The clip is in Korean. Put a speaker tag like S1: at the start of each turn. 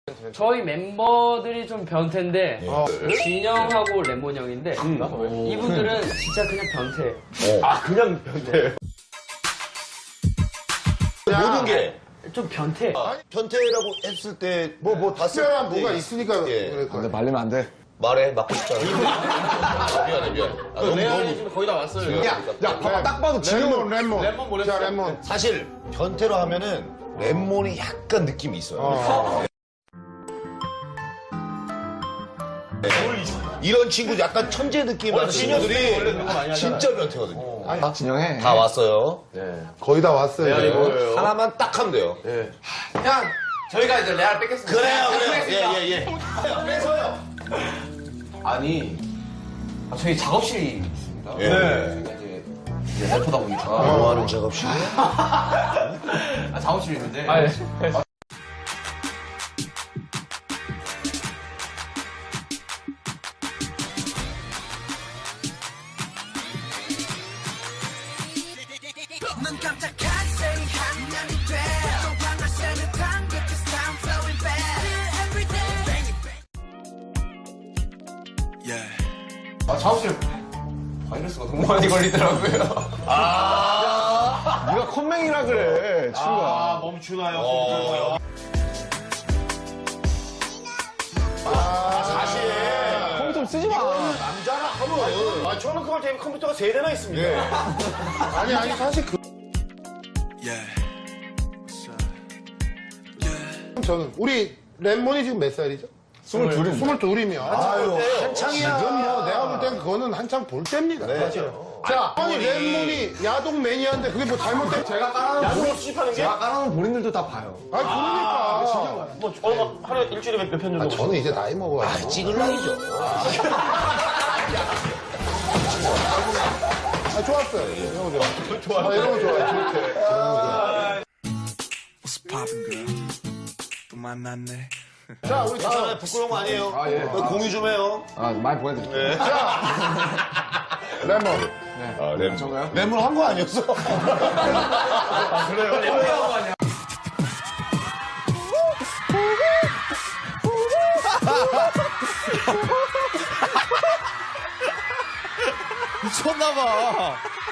S1: 저희 멤버들이 좀 변태인데 진영하고 레몬 형인데 이분들은 진짜 그냥 변태예요.
S2: 아, 그냥 변태.
S3: 모든 게
S1: 좀 변태.
S3: 변태라고 했을 때
S4: 뭐 특별한 뭐가 있으니까
S3: 예.
S4: 그럴 거야.
S5: 근데 말리면 안 돼.
S3: 말해 맞고 싶잖아. 미안해. 아, 너무
S1: 지금 거의 다 왔어요.
S5: 야, 봐봐, 딱 봐도 지금
S4: 레몬. 자, 레몬.
S3: 사실 변태로 하면은 랩몬이 약간 느낌이 있어요. 네. 이런 친구 약간 천재 느낌 나는 친구들이 진짜 변태거든요.
S5: 진영해.
S3: 다 왔어요.
S4: 거의 다 왔어요. 이제.
S3: 하나만 딱 하면 돼요.
S1: 형, 저희가 이제 레알 뺏겠습니다.
S3: 그래요. 예. 뺏어요.
S6: 아니, 저희 작업실이 있습니다.
S3: 예.
S6: 이제 래퍼다 보니까.
S3: 뭐 하는 작업실?
S6: 작업실이 있는데.
S7: 눈 깜짝한 새이 한량이 돼 동방을 새는 방긋 this time flowing back every day
S6: 작업실 바이러스가 너무 많이 걸리더라고요.
S5: 네가 컴맹이라 그래, 친구야.
S3: 사실
S5: 컴퓨터 쓰지 마.
S3: 남자라 하면 저는 그걸 때문에 컴퓨터가 3대나 있습니다.
S4: 아니, 사실 저는 우리 레몬이 지금 몇 살이죠? 22이면
S3: 아유, 한창이야.
S4: 지금 뭐 내가 볼 땐 그거는 한창 볼 때입니다. 자, 아니 レ몬이 야동 매니아인데 그게 뭐 잘못된? 제가
S3: 야구를 수집하는 게?
S5: 제가 깔아놓은 본인들도 다 봐요.
S4: 그러니까.
S2: 뭐, 하루에 일주일에 몇 편 정도?
S4: 저는 이제 나이 먹어가지고.
S3: 찌글랑이죠.
S4: 좋았어요. 이런 거 좋아. 이런 거 좋아요. 좋대.
S7: What's poppin' girl 또 만났네
S4: 자, 우리
S3: 아, 부끄러운 거 아니에요. 공유 좀 해요.
S5: 아, 많이 보내드릴게요.
S4: 레몬.
S3: 아, 랩.
S5: 저거요?
S3: 랩을 한 거 아니었어?
S5: 미쳤나봐.